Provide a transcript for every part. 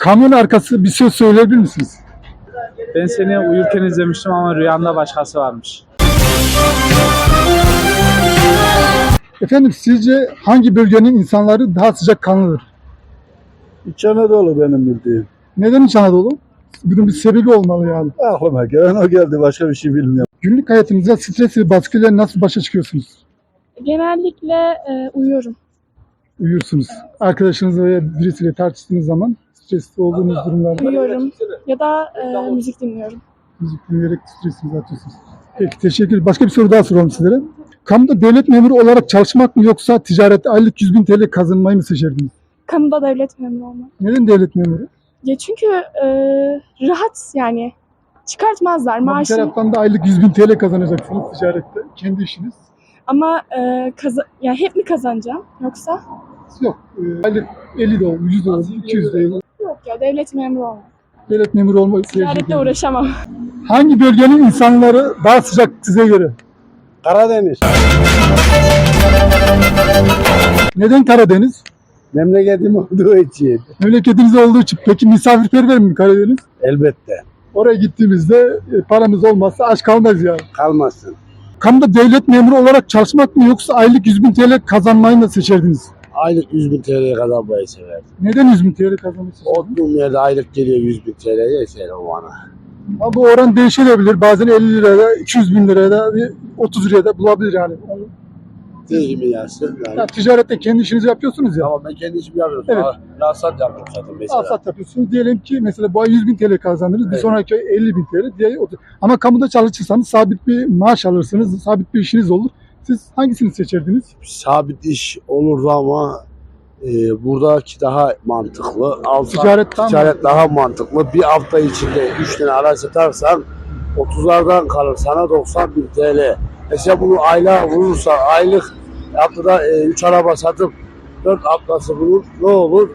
kamyon arkası bir söz söyleyebilir misiniz? Ben seni uyurken izlemiştim ama rüyamda başkası varmış. Efendim sizce hangi bölgenin insanları daha sıcakkanlıdır? İç Anadolu benim bildiğim. Neden İç Anadolu? Bunun bir sebebi olmalı yani. Aklıma gelen o geldi. Başka bir şey bilmiyorum. Günlük hayatınızda stres ve baskıyla nasıl başa çıkıyorsunuz? Genellikle uyuyorum. Uyuyorsunuz. Arkadaşınızla veya birisiyle tartıştığınız zaman stresli olduğunuz durumlarda Uyuyorum ya da müzik dinliyorum. müzik dinleyerek stresinizi atıyorsunuz. Peki teşekkür ederim. Başka bir soru daha soralım sizlere. Kamuda devlet memuru olarak çalışmak mı yoksa ticarette aylık 100.000 TL kazanmayı mı seçerdiniz? Kamuda devlet memuru olmak. Neden devlet memuru? Ya çünkü rahat yani çıkartmazlar Ama bir maaşını taraftan da aylık 100.000 TL kazanacaksınız ticarette. Kendi işiniz. ama yani hep mi kazanacağım yoksa? Yok. Aylık 50 de olur, 100 de olur, 200 de olur. Yok ya devlet memuru olmak. Devlet memuru olmayı tercih Ticaretle ediyorum. uğraşamam. Hangi bölgenin insanları daha sıcak size göre? Karadeniz. Neden Karadeniz? Memleketim olduğu için. Memleketiniz olduğu için. Peki misafirperver mi Karadeniz? Elbette. Oraya gittiğimizde paramız olmazsa aç kalmaz yani. Kalmasın. Kamuda devlet memuru olarak çalışmak mı yoksa aylık 100.000 TL kazanmayı mı seçerdiniz? Aylık 100.000 TL'ye kazanmayı severdim. Neden 100.000 TL kazanmayı seçerdiniz? Oturduğum yerde aylık geliyor 100.000 TL'ye yeter o bana. Ama bu oran değişebilir. Bazen 50 liraya, 200 bin liraya da, 30 liraya da bulabilir yani. Değil mi yansın? Ya, Yani. ticarette kendi işinizi yapıyorsunuz ya. Ama ben kendi işimi yapıyorum. Evet. Rasat yapıyorum zaten mesela. Alsat yapıyorsunuz. Diyelim ki mesela bu ay 100.000 TL kazandınız. Bir Evet. sonraki ay 50.000 TL. Diye 30. Ama kamuda çalışırsanız sabit bir maaş alırsınız. Sabit bir işiniz olur. Siz hangisini seçerdiniz? Sabit iş olurdu ama buradaki daha mantıklı. Ticaret daha Ticaret daha mantıklı. Bir hafta içinde 3 tane araç satarsan 30'lardan kalır sana 90.000 TL. Mesela bunu aylığa vurursa aylık haftada 3 araba satıp 4 haftası bulur ne olur?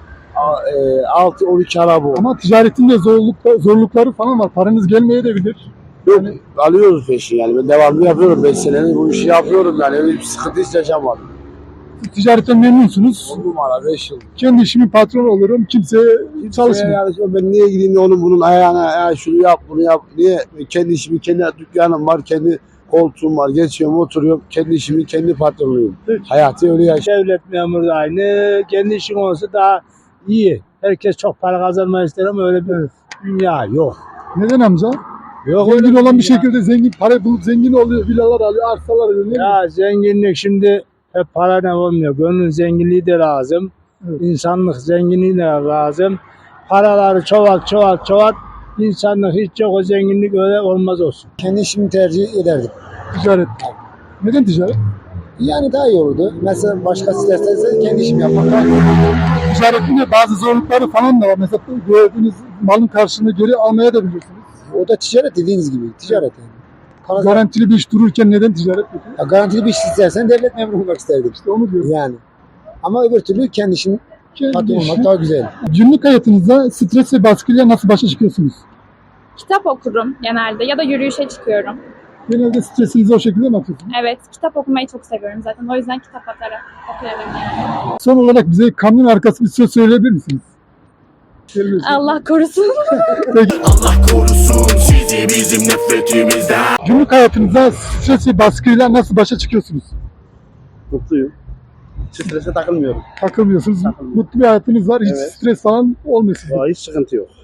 6-12 araba olur. Ama ticaretin de zorlukları falan var. Paranız gelmeyebilir. Yok, alıyoruz peşin yani. Ben devamlı yapıyorum. 5 senedir bu işi yapıyorum yani. Öyle bir sıkıntı hiç yaşamadım. Siz ticaretten memnunsunuz. 10 numara 5 yıl. Kendi işimin patronu olurum. Kimseye çalışmıyor. Yani ben niye gideyim de onun bunun ayağına ya şunu yap bunu yap. Niye? Kendi işimi, kendi dükkanım var, kendi koltuğum var. Geçiyorum, oturuyorum. Kendi işimi, kendi patronuyum. Peki. Hayatı öyle yaşıyorum. Devlet memuru da aynı. Kendi işin olsa daha iyi. Herkes çok para kazanmayı ister ama öyle bir dünya yok. Neden amca? Yok Zengin öyle olan bir dünya. şekilde zengin, para bulup zengin oluyor. Villalar alıyor, arsalar alıyor. Ne bileyim. Ya zenginlik şimdi hep parayla olmuyor. Gönlün zenginliği de lazım. Evet. İnsanlık zenginliği de lazım. Paraları çoğalt. İnsanlık hiç yok. O zenginlik öyle olmaz olsun. Kendi işimi tercih ederdim. Ticaret. Neden ticaret? Yani daha iyi olurdu. Mesela başkası isterse kendi işimi yapmak daha iyi. Ticaretin de bazı zorlukları falan da var. Mesela gördüğünüz malın karşılığını geri almaya da bilirsiniz. O da ticaret dediğiniz gibi. Ticaret yani. Garantili bir iş dururken neden ticaret yapıyor? Ya garantili bir iş istersen devlet memuru olmak isterdim. İşte onu diyorum. Yani. Ama öbür türlü kendi işin patronu işi- olmak daha güzel. Günlük hayatınızda stres ve baskıyla nasıl başa çıkıyorsunuz? Kitap okurum genelde ya da yürüyüşe çıkıyorum. Genelde stresinizi o şekilde mi atıyorsunuz? Evet, kitap okumayı çok seviyorum zaten. O yüzden kitap okuyorum yani. Son olarak bize kamyon arkası bir söz söyleyebilir misiniz? Allah korusun. Allah korusun sizi bizim nefretimizden. Günlük hayatınızda stres ve baskıyla nasıl başa çıkıyorsunuz? Mutluyum. Strese takılmıyorum. Takılmıyorsunuz. Mutlu bir hayatınız var. Hiç Evet. stres falan olmuyor sizin. Hiç sıkıntı yok.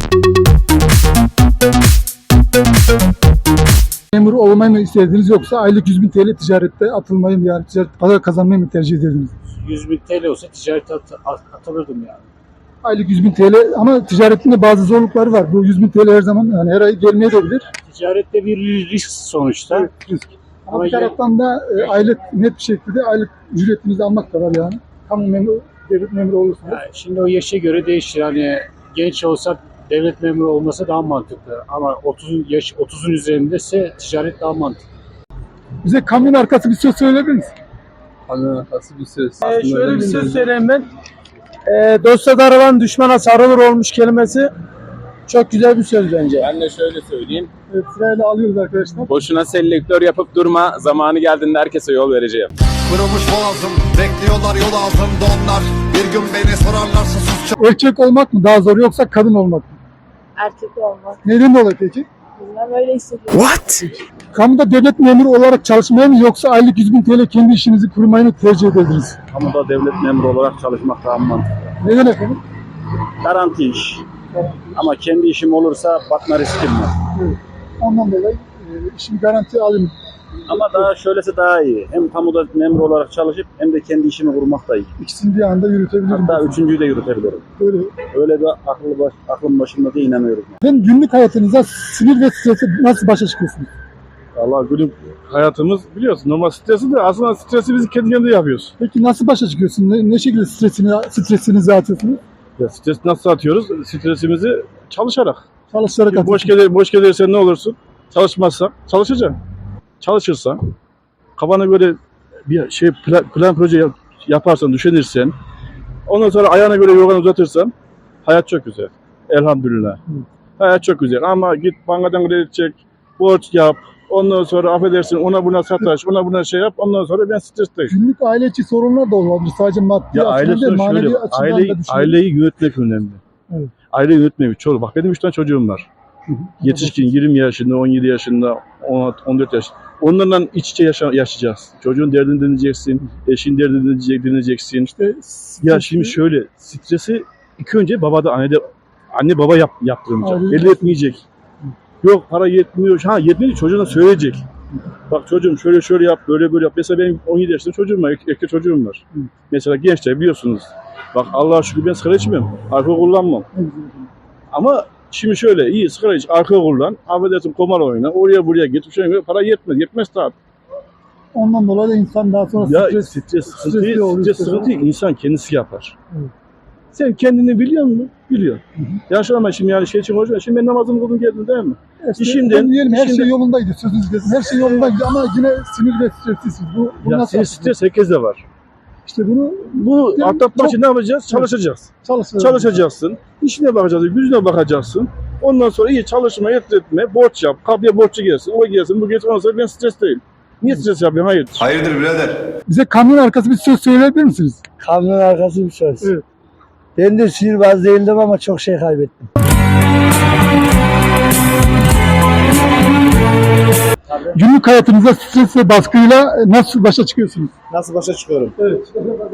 Memur olmayı mı istediniz yoksa aylık 100.000 TL ticarette atılmayı mı yani ticaret para kazanmayı mı tercih ederdiniz? 100.000 TL olsa ticarete atılırdım yani. Aylık 100.000 TL ama ticaretin de bazı zorlukları var. Bu 100.000 TL her zaman yani her ay gelmeye de bilir. Ticarette bir risk sonuçta. Evet, risk. Ama Ama bir taraftan da aylık net bir şekilde aylık ücretinizi almak da var yani. Kamu memuru, devlet memuru olursanız. Yani şimdi o yaşa göre değişir. Hani genç olsa devlet memuru olması daha mantıklı. Ama 30'un üzerindeyse ticaret daha mantıklı. Bize kamyon arkası bir söz söyleyebilir misin? Kamyon arkası bir söz. Şöyle bir söz söyleyeyim ben. Dosta darılan düşmana sarılır olmuş kelimesi çok güzel bir söz bence. Ben de şöyle söyleyeyim. Evet, sırayla alıyoruz arkadaşlar. Boşuna selektör yapıp durma. Zamanı geldiğinde herkese yol vereceğim. Kırılmış boğazım, bekliyorlar yol altında onlar. Bir gün beni sorarlarsa sus. Erkek olmak mı daha zor yoksa kadın olmak mı? Erkek olmak. Neden dolayı peki? Bilmem, öyle hissediyorum. What? Kamuda devlet memuru olarak çalışmayı mı yoksa aylık 100.000 TL kendi işinizi kurmayı mı tercih ederdiniz? Kamuda devlet memuru olarak çalışmak daha mantıklı. Neden efendim? Garanti iş. Ama kendi işim olursa batma riskim var. Evet. Ondan dolayı işimi garantiye alayım. Ama daha şöylesi daha iyi. Hem kamuda memur olarak çalışıp hem de kendi işimi kurmak da iyi. İkisini bir anda yürütebilirim. Hatta üçüncüyü de yürütebilirim. Böyle. Öyle bir aklım başımda diye inanıyorum. Efendim günlük hayatınızda sinir ve strese nasıl başa çıkıyorsunuz? Allah günlük hayatımız biliyorsun normal stresi de aslında stresi biz kendi kendine yapıyoruz. Peki nasıl başa çıkıyorsunuz? Ne şekilde stresinizi atıyorsunuz? Ya stres nasıl atıyoruz? Stresimizi çalışarak. Çalışarak Çünkü atıyorsunuz. boş gelirsen ne olursun? Çalışmazsan çalışacaksın. Çalışırsan kafana göre bir şey plan proje yaparsan, düşünürsen ondan sonra ayağına göre yorganı uzatırsan hayat çok güzel. Elhamdülillah. Hayat çok güzel ama git bankadan kredi çek, borç yap. Ondan sonra affedersin ona buna sataş, ona buna şey yap. Ondan sonra ben stresteyim. Günlük aile içi sorunlar da olabilir. Sadece maddi Ya aile açıdan değil, manevi şöyle, açıdan da düşünün. aileyi yönetmek önemli. Evet. Aileyi yönetmek çok. Bak benim 3 tane çocuğum var. Yetişkin 20 yaşında, 17 yaşında, 14 yaş. Onlarla iç içe yaşayacağız. Çocuğun derdini dinleyeceksin, eşin derdini dinleyeceksin. Ya şimdi şöyle, stresi ilk önce babada, anne baba yaptırmayacak. Aynen. Belli etmeyecek. Yok para yetmiyor. Ha yetmiyor çocuğuna söyleyecek. Bak çocuğum şöyle yap, böyle yap. Mesela benim 17 yaşında çocuğum var, erkek çocuğum var. Mesela gençler biliyorsunuz. Bak Allah'a şükür ben sigara içmiyorum. Alkol kullanmam. Ama şimdi şöyle iyi sigara iç, alkol kullan. Affedersin kumar oyna. Oraya buraya git. Para yetmez. Yetmez tabii. Ondan dolayı da insan daha sonra Ya stres sıkıntı insan kendisi yapar. Evet. Sen kendini biliyor musun? Biliyor. Yaşlanma şimdi yani şey için konuşma. Şimdi ben namazımı kıldım geldim değil mi? Diyelim her şey yolundaydı, sözünüz kesin. Her şey yolundaydı ama yine sinir ve streslisiniz. Bu Ya nasıl? stres herkeste var. İşte bunu Atlatmak için ne yapacağız? Çalışacağız. Çalışacaksın. İşine bakacaksın, yüzüne bakacaksın. Ondan sonra iyi çalışma, etme, borç yap. Kapıya borçlu gelsin, o gelsin, bu gelsin. Ondan sonra ben stres değilim. Niye stres yapıyorum? Hayır. Hayırdır birader? Bize kamyon arkası bir söz söyleyebilir misiniz? Kamyon arkası bir söz. Evet. Ben de sihirbaz değildim ama çok şey kaybettim. Günlük hayatınızda stres ve baskıyla nasıl başa çıkıyorsunuz? Nasıl başa çıkıyorum? Evet.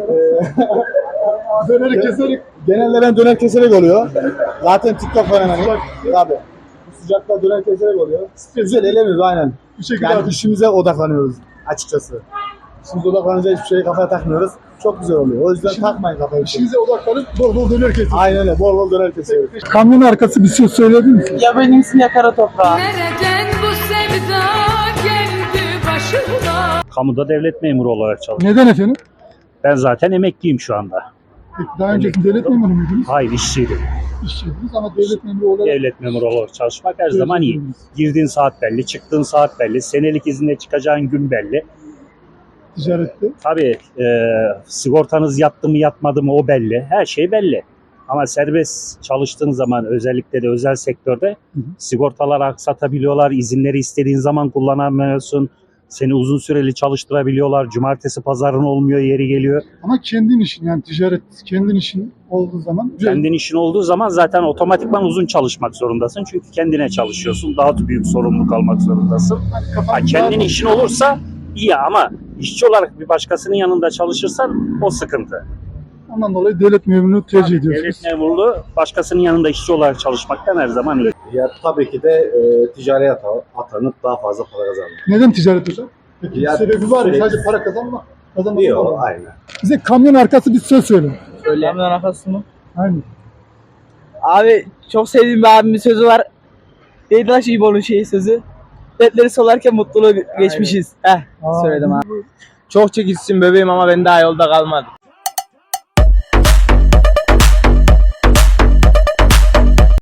Döneri keserek. Genelde ben döner keserek oluyor. Zaten TikTok fenomeniyim. Tabii. Bu sıcakta döner keserek oluyor. Güzel elemiyoruz aynen. Bir şekilde Yani işimize odaklanıyoruz açıkçası. İşimize odaklanınca hiçbir şeyi kafaya takmıyoruz. Çok güzel oluyor. O yüzden takmayın kafaya. işinize odaklanıp bol bol döner kesiyorsunuz. Aynen öyle. Bol bol döner kesiyoruz. Kamyon arkası bir söz söyleyebilir misiniz? Ya benimsin ya kara toprağı. Nereden bu sevda geldi başıma? Kamuda devlet memuru olarak çalışıyorum. Neden efendim? Ben zaten emekliyim şu anda. Peki daha önce devlet memuru muydunuz? Hayır işçiydim. İşçiydiniz ama devlet memuru olarak Devlet memuru olarak çalışmak her zaman iyi. Girdiğin saat belli, çıktığın saat belli, senelik izinle çıkacağın gün belli. ticarette. Tabii sigortanız yattı mı yatmadı mı o belli. Her şey belli. Ama serbest çalıştığın zaman özellikle de özel sektörde sigortaları aksatabiliyorlar. İzinleri istediğin zaman kullanamıyorsun. Seni uzun süreli çalıştırabiliyorlar. Cumartesi pazarın olmuyor, yeri geliyor. Ama kendin işin yani ticaret kendin işin olduğu zaman Kendin işin olduğu zaman zaten otomatikman uzun çalışmak zorundasın. Çünkü kendine çalışıyorsun. Daha büyük sorumluluk almak zorundasın. Kendin işin olursa iyi ama işçi olarak bir başkasının yanında çalışırsan o sıkıntı. ondan dolayı devlet memurunu tercih ediyorsunuz. Devlet memurluğu başkasının yanında işçi olarak çalışmaktan her zaman iyi. Ya tabii ki de ticari atanıp daha fazla para kazanmak. Neden ticaret hocam? Peki Ya, bir sebebi var mı? sürekli- Sadece para kazanmak var Yok, mı? aynen. Bize kamyon arkası bir söz söyle. Kamyon arkası mı? Aynen. Abi çok sevdiğim bir abimin sözü var. Neydi lan İbo'nun sözü? Dertleri solarken mutluluğu geçmişiz. Söyledim abi. Çok çekilsin bebeğim ama ben daha yolda kalmadım.